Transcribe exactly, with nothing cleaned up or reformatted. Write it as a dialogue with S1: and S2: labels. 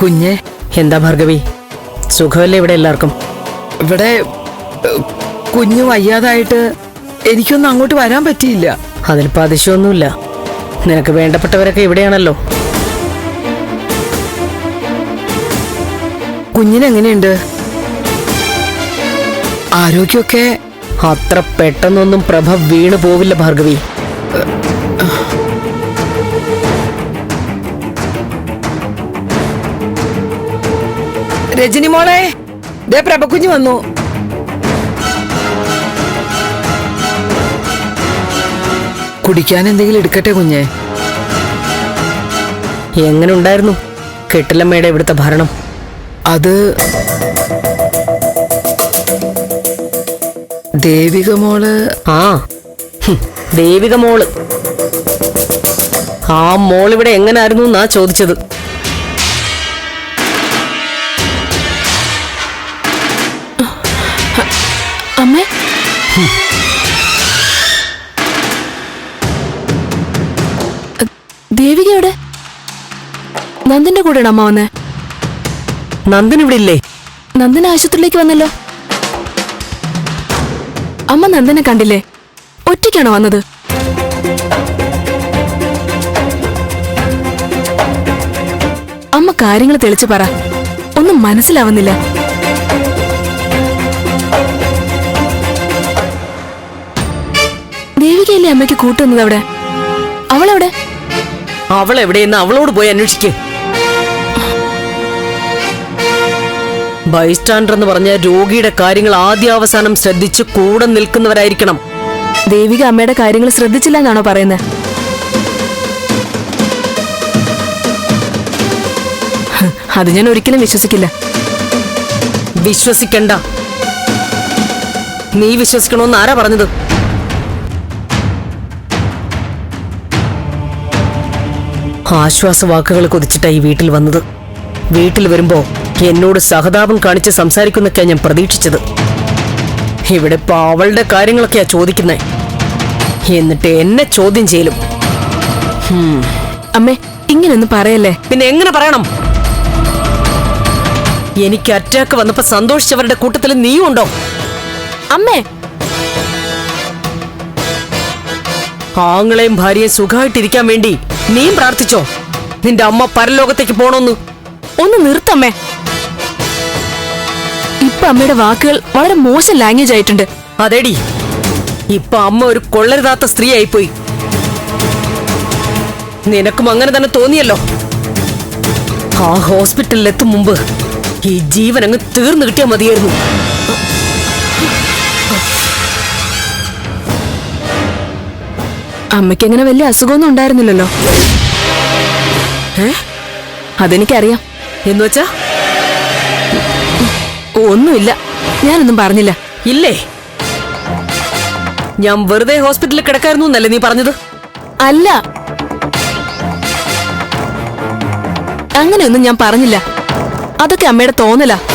S1: കുഞ്ഞെ
S2: എന്താ ഭാർഗവി, സുഖമല്ലേ ഇവിടെ എല്ലാവർക്കും?
S1: ഇവിടെ കുഞ്ഞു വയ്യാതായിട്ട് എനിക്കൊന്നും അങ്ങോട്ട് വരാൻ പറ്റിയില്ല.
S2: അതിലിപ്പോ അതിശയൊന്നുമില്ല, നിനക്ക് വേണ്ടപ്പെട്ടവരൊക്കെ ഇവിടെയാണല്ലോ.
S1: കുഞ്ഞിനെങ്ങനെയുണ്ട്? ആരോഗ്യമൊക്കെ?
S2: അത്ര പെട്ടെന്നൊന്നും പ്രഭ വീണു പോവില്ല ഭാർഗവി.
S1: രജനി മോളെ, ദേ പ്രഭക്കുഞ്ഞ് വന്നു. കുടിക്കാൻ എന്തെങ്കിലും എടുക്കട്ടെ കുഞ്ഞെ?
S2: എങ്ങനെ ഉണ്ടായിരുന്നു കെട്ടിലമ്മയുടെ ഇവിടുത്തെ ഭരണം?
S1: അത് ദേവിക മോള്.
S2: ആ ദേവിക മോള്. ആ മോളിവിടെ എങ്ങനായിരുന്നു എന്നാ ചോദിച്ചത്.
S3: അമ്മേ, ദേവികയുടെ നന്ദിന്റെ കൂടെയാണ് അമ്മ വന്നേ.
S2: നന്ദൻ ഇവിടെ ഇല്ലേ?
S3: നന്ദൻ ആശുപത്രിയിലേക്ക് വന്നല്ലോ. അമ്മ നന്ദനെ കണ്ടില്ലേ? ഒറ്റയ്ക്കാണോ വന്നത്? അമ്മ കാര്യങ്ങൾ തെളിച്ചു പറ, ഒന്നും മനസ്സിലാവുന്നില്ല. ദേവികയല്ലേ അമ്മയ്ക്ക് കൂട്ടുന്നത്? അവിടെ അവളെവിടെ?
S2: അവൾ എവിടെയെന്ന് അവളോട് പോയി അന്വേഷിക്ക്. ബൈസ്റ്റാൻഡർ എന്ന് പറഞ്ഞ രോഗിയുടെ കാര്യങ്ങൾ ആദ്യാവസാനം ശ്രദ്ധിച്ച് കൂടെ നിൽക്കുന്നവരായിരിക്കണം.
S3: ദേവിക അമ്മയുടെ കാര്യങ്ങൾ ശ്രദ്ധിച്ചില്ല എന്നാണോ പറയുന്നത്? അത് ഞാൻ ഒരിക്കലും വിശ്വസിക്കില്ല.
S2: വിശ്വസിക്കണ്ട. നീ വിശ്വസിക്കണമെന്ന് ആരാ പറഞ്ഞത്? ആശ്വാസവാക്കുകൾ കൊതിച്ചിട്ടാ ഈ വീട്ടിൽ വന്നത്. വീട്ടിൽ വരുമ്പോ എന്നോട് സഹതാപം കാണിച്ച് സംസാരിക്കുന്നൊക്കെയാ ഞാൻ പ്രതീക്ഷിച്ചത്. ഇവിടെ ഇപ്പൊ അവളുടെ കാര്യങ്ങളൊക്കെയാ ചോദിക്കുന്നേ. എന്നിട്ട് എന്നെ ചോദ്യം ചെയ്യലും.
S3: അമ്മേ, ഇങ്ങനൊന്നും പറയല്ലേ.
S2: പിന്നെ എങ്ങനെ പറയണം? എനിക്ക് അറ്റാക്ക് വന്നപ്പോ സന്തോഷിച്ചവരുടെ കൂട്ടത്തിൽ നീയും ഉണ്ടോ?
S3: അമ്മേ,
S2: ആങ്ങളെയും ഭാര്യയും സുഖമായിട്ടിരിക്കാൻ വേണ്ടി നീയും പ്രാർത്ഥിച്ചോ നിന്റെ അമ്മ പരലോകത്തേക്ക് പോണോന്ന്?
S3: ഒന്ന് നിർത്തമ്മേ. ഇപ്പൊ അമ്മയുടെ വാക്കുകൾ വളരെ മോശം ലാംഗ്വേജ് ആയിട്ടുണ്ട്.
S2: അതേടി, ഇപ്പൊ അമ്മ ഒരു കൊള്ളരുതാത്ത സ്ത്രീ ആയിപ്പോയി. നിനക്കും അങ്ങനെ തന്നെ തോന്നിയല്ലോ. ആ ഹോസ്പിറ്റലിൽ എത്തും മുമ്പ് ഈ ജീവൻ അങ്ങ് തീർന്നു കിട്ടിയാൽ മതിയായിരുന്നു.
S3: അമ്മയ്ക്ക് അങ്ങനെ വലിയ അസുഖമൊന്നും ഉണ്ടായിരുന്നില്ലല്ലോ.
S2: ഏ
S3: അതെനിക്കറിയാം.
S2: എന്നുവെച്ചാ?
S3: ഒന്നുമില്ല, ഞാനൊന്നും പറഞ്ഞില്ല.
S2: ഇല്ലേ? ഞാൻ വെറുതെ ഹോസ്പിറ്റലിൽ കിടക്കായിരുന്നു എന്നല്ലേ നീ പറഞ്ഞത്?
S3: അല്ല, അങ്ങനെയൊന്നും ഞാൻ പറഞ്ഞില്ല. അതൊക്കെ അമ്മയുടെ തോന്നലാ.